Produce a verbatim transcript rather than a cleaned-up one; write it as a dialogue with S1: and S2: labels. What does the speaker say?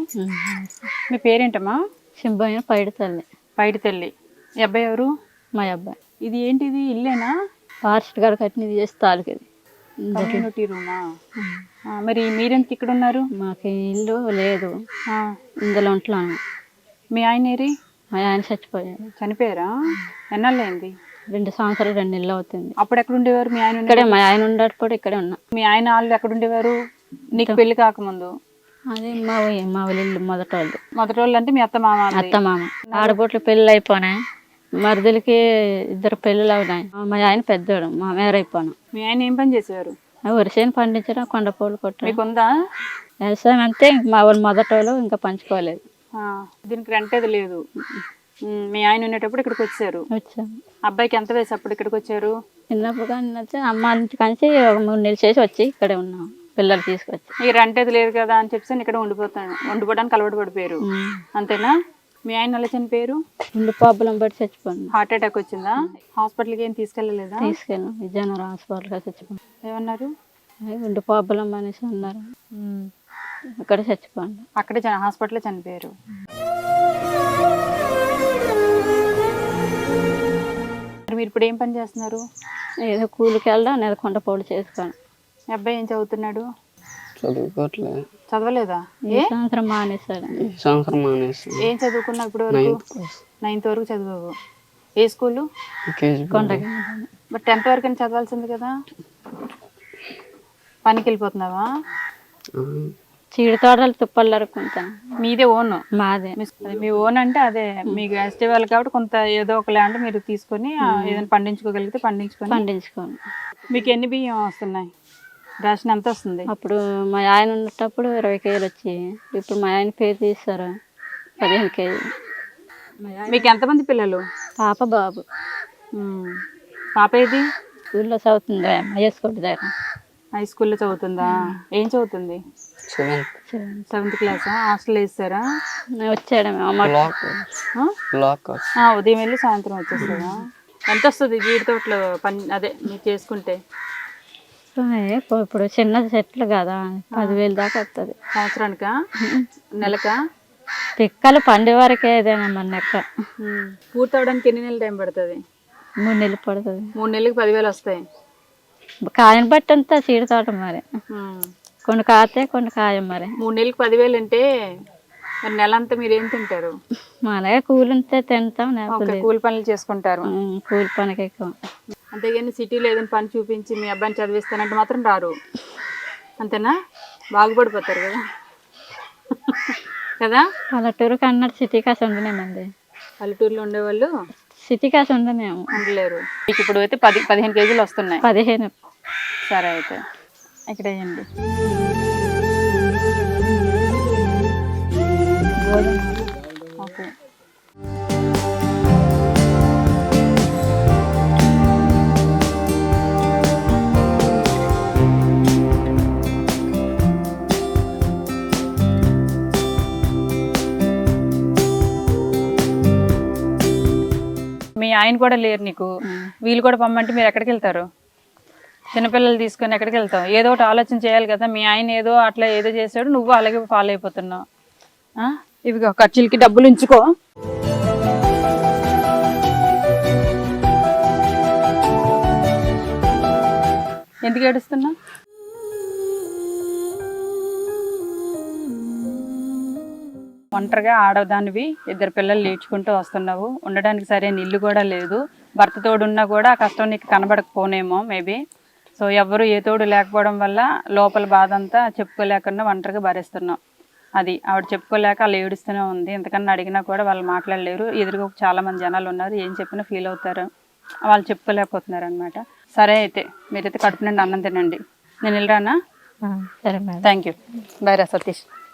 S1: మీ పేరేంటమ్మా?
S2: సింబయ్య పైడి తల్లి.
S1: పైడి తల్లి. ఈ అబ్బాయి ఎవరు?
S2: మా అబ్బాయి.
S1: ఇది ఏంటిది, ఇల్లేనా?
S2: ఫారెస్ట్ గారు కట్టినది చేసి తాలూకు
S1: కమ్యూనిటీ రూమా? మరి మీరెందుకు ఇక్కడ ఉన్నారు?
S2: మాకు ఇల్లు లేదు, ఇందులో ఉంటున్నాను.
S1: మీ ఆయన ఏరి?
S2: మా ఆయన చచ్చిపోయాడు.
S1: చనిపోయారా? ఎన్నాళ్ళైంది?
S2: రెండు సంవత్సరాలు రెండు నెలలు అవుతుంది.
S1: అప్పుడు ఎక్కడ ఉండేవారు మీ ఆయన?
S2: ఇక్కడే, మా ఆయన ఉండేటప్పుడు ఇక్కడే ఉన్నా.
S1: మీ ఆయన వాళ్ళు ఎక్కడ ఉండేవారు నీకు పెళ్లి కాకముందు?
S2: అదే మా మా ఇల్లు మొదటి వాళ్ళు.
S1: మొదటి వాళ్ళు అంటే మీ అత్త మామ?
S2: అత్త మామ. ఆడబొట్లు పెళ్ళి అయిపోయినాయి, మరుదులకి ఇద్దరు పెళ్ళిళ్ళు అయినాయి. మా ఆయన పెద్దోడు, మా మేరైపోయాను.
S1: మీ ఆయన ఏం పని చేసేవారు?
S2: వరిసేను పండించడం, కొండపూలు కొట్టడం.
S1: మీకు ఉందా
S2: వ్యవసాయం? అంతే, మా వాళ్ళు మొదటి వాళ్ళు ఇంకా పంచుకోలేదు.
S1: దీనికి రెంట్ అది లేదు. మీ ఆయన ఉండేటప్పుడు ఇక్కడికి వచ్చారు.
S2: వచ్చాము.
S1: అబ్బాయికి ఎంత వయసు అప్పుడు ఇక్కడికి వచ్చారు?
S2: చిన్నప్పుడు కానీ అమ్మ నుంచి కలిసి ఒక మూడు నెలలు చేసి వచ్చి ఇక్కడే ఉన్నాం, పిల్లలు తీసుకొచ్చి.
S1: ఈ రెంట్ అది లేదు కదా అని చెప్పి ఇక్కడ ఉండిపోతాను, ఉండిపోవడానికి అలవాటు పడిపోయారు అంతేనా? మీ ఆయన అలా చనిపోయారు?
S2: గుండె ప్రాబ్లం బట్టి చచ్చిపోయింది.
S1: హార్ట్ అటాక్ వచ్చిందా? హాస్పిటల్కి ఏం తీసుకెళ్ళలేదా?
S2: తీసుకెళ్ళాం, విజయనగరం హాస్పిటల్గా చచ్చిపోయింది.
S1: ఏమన్నారు?
S2: గుండె ప్రాబ్లం అనేసి అన్నారు, అక్కడ చచ్చిపోయింది.
S1: అక్కడే హాస్పిటల్లో చనిపోయారు. మీరు ఇప్పుడు ఏం పని చేస్తున్నారు?
S2: ఏదో కూలికి వెళ్ళడం, ఏదో కొండపౌలు చేసుకోండి.
S1: మీ అబ్బాయి ఏం చదువుతున్నాడు?
S3: చదువుకోవట్లేదు.
S1: చదవలేదా?
S2: ఏ సంవత్సరం మానేస్తాడు.
S3: సంవత్సరం మానేసి.
S1: ఏం చదువుకున్నా ఇప్పుడు వరకు? నైన్త్ వరకు చదువు. ఏ స్కూలు?
S2: కొండకి.
S1: మరి టెన్త్ వరకు అని చదవాల్సింది కదా. పనికి వెళ్ళిపోతున్నావా?
S2: చీడ తోటలు తుప్పలు అరుకుంటాను.
S1: మీదే ఓన్?
S2: మాదే.
S1: మీ ఓన్ అంటే అదే మీకు ఫెస్టివల్ కాబట్టి కొంత ఏదో ఒక ల్యాండ్ మీరు తీసుకొని ఏదైనా పండించుకోగలిగితే పండించుకొని
S2: పండించుకోండి.
S1: మీకు ఎన్ని బియ్యం వస్తున్నాయి? రేషన్ ఎంత వస్తుంది?
S2: అప్పుడు మా ఆయన ఉన్నప్పుడు ఇరవై కేజీలు వచ్చి, ఇప్పుడు మా ఆయన పేరు తీస్తారు పదిహేను కేజీలు.
S1: మీకు ఎంతమంది పిల్లలు?
S2: పాప బాబు.
S1: పాప ఏది?
S2: స్కూల్లో చదువుతుంది, అమ్మాయి స్కూల్ దగ్గర.
S1: హై స్కూల్లో చదువుతుందా? ఏం చదువుతుంది? సెవెంత్ క్లాసా? హాస్టల్ వేస్తారా?
S2: వచ్చాడు
S1: ఉదయం వెళ్ళి సాయంత్రం వచ్చేస్తారా? ఎంత వస్తుంది జీడి తోటలో పని అదే మీరు చేసుకుంటే?
S2: ఇప్పుడు చిన్న చెట్లు కదా, పదివేలు దాకా వస్తుంది.
S1: సంవత్సరానికా? నెలకా?
S2: పిక్కలు పండే వరకే ఏదైనా మన నెక్క.
S1: పూర్తి అవడానికి ఎన్ని నెలలు టైం పడుతుంది?
S2: మూడు నెలలు పడుతుంది.
S1: మూడు నెలలకి పదివేలు వస్తాయి.
S2: కాయని బట్టి అంతా చీడ తోట మరి, కొన్ని కాతే కొన్ని కాయ. మరి
S1: మూడు నెలలకి పదివేలు అంటే మరి నెల అంతా మీరు ఏం తింటారు?
S2: అలాగే కూలి ఉంటే తింటాం,
S1: కూలి పనులు చేసుకుంటారు.
S2: కూలి పనికి ఎక్కువ.
S1: అంతేగాని సిటీలో ఏదైనా పని చూపించి మీ అబ్బాయిని చదివిస్తానంటే మాత్రం రారు, అంతేనా? బాగుపడిపోతారు కదా కదా.
S2: పల్లెటూరు కన్నట్టు సిటీ కాసి ఉండనేమండి.
S1: పల్లెటూరులో ఉండేవాళ్ళు
S2: సిటీ కాసి ఉండనేము
S1: ఉండలేరు. మీకు ఇప్పుడు అయితే పది పదిహేను కేజీలు వస్తున్నాయి.
S2: పదిహేను.
S1: సరే అయితే ఇక్కడ వేయండి. ఓకే. మీ ఆయన కూడా లేరు నీకు, వీళ్ళు కూడా పొమ్మంటే మీరు ఎక్కడికి వెళ్తారు? చిన్నపిల్లలు తీసుకొని ఎక్కడికి వెళ్తావు? ఏదో ఒకటి ఆలోచన చేయాలి కదా. మీ ఆయన ఏదో అట్లా ఏదో చేశాడు, నువ్వు అలాగే ఫాలో అయిపోతున్నావు. ఇవిగో ఖర్చులకి డబ్బులు ఉంచుకో. ఎందుకు ఏడుస్తున్నా? ఒంటరిగా ఆడదానివి, ఇద్దరు పిల్లలు నేర్చుకుంటూ వస్తున్నావు, ఉండడానికి సరైన ఇల్లు కూడా లేదు. భర్త తోడున్నా కూడా ఆ కష్టం నీకు కనబడకపోనేమో మేబీ. సో ఎవరు ఏ తోడు లేకపోవడం వల్ల లోపల బాధ అంతా చెప్పుకోలేకుండా ఒంటరిగా భరిస్తున్నావు. అది ఆవిడ చెప్పుకోలేక అలా ఏడుస్తూనే ఉంది. ఎంతకన్నా అడిగినా కూడా వాళ్ళు మాట్లాడలేరు. ఎదురుగా చాలా మంది జనాలు ఉన్నారు, ఏం చెప్పినా ఫీల్ అవుతారు, వాళ్ళు చెప్పుకోలేకపోతున్నారు అనమాట. సరే అయితే మీరైతే కడుపు నుండి అన్నం తినండి, నేను వెళ్ళరానా?
S2: సరే మేడం.
S1: Thank you. బాయ్ రా సతీష్.